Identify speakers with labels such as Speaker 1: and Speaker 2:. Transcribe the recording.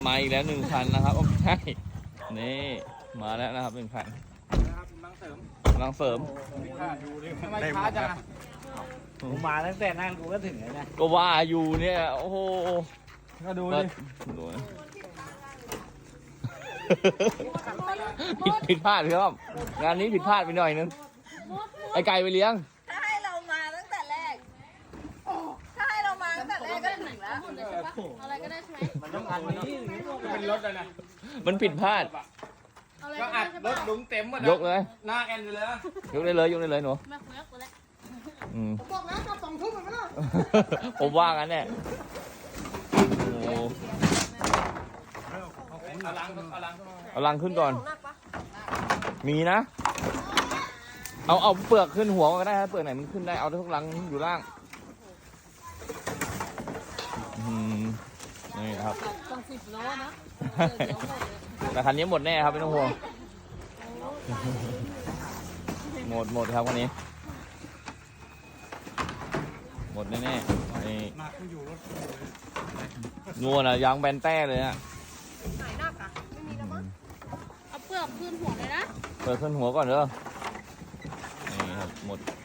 Speaker 1: มาอีกแล้ว1 คันนะครับโอ้ใช่นี่มาแล้วนะครับ1 คันกำลังเสริม
Speaker 2: ทำไมช้าจังอ่ะผมมาตั้งแต่นั่งกูก็ถึงแล้วนะ
Speaker 1: ก็ว่าอยู่เนี่ยโอ้โห
Speaker 2: ก็ดูดิ
Speaker 1: ผิดพลาดครับงานนี้ผิดพลาดไปหน่อยนึงไอไก่ไปเลี้ยง
Speaker 3: ถ้าให้เรามาตั้งแต่แรกถ้าให้เรามาตั้งแต่แรกก็ถึงแล้วอะไรก็ได้ใช่ไหม
Speaker 2: มันต้องอันนี้เป็นรถเลยนะ
Speaker 1: มันผิดพลาด
Speaker 2: ก็อัดรถลุงเต็มหมด
Speaker 1: ยกเลย
Speaker 2: หน้าแอนเลยนะ
Speaker 1: ยกได้เลยหนู
Speaker 3: มาคุยกันแล้ว
Speaker 4: ผมบอกแล้วกลับ2 ทุ่มเหมือนกันนะ
Speaker 1: ผมว่างั้นเนี่ยโอ้เอาลังขึ้นก่อนมีนะเอาเปลือกขึ้นหัวก็ได้ครับเปลือกไหนมันขึ้นได้เอาทุกลังอยู่ล่างนี่ครับ
Speaker 3: ต้อง10 โลนะ
Speaker 1: แต่คันนี้หมดแน่ครับไม่ต้องห่วงหมดครับคันนี้หมดแน่ๆนี่งัวน่ะยางแบนแต้เลยอ่ะ
Speaker 3: หายหนักอ่ะไม่มีแล้วมั้งเอาเปลือกขึ้นหัวเลยนะ
Speaker 1: เปลือกขึ้นหัวก่อนเด้อนี่ครับหมด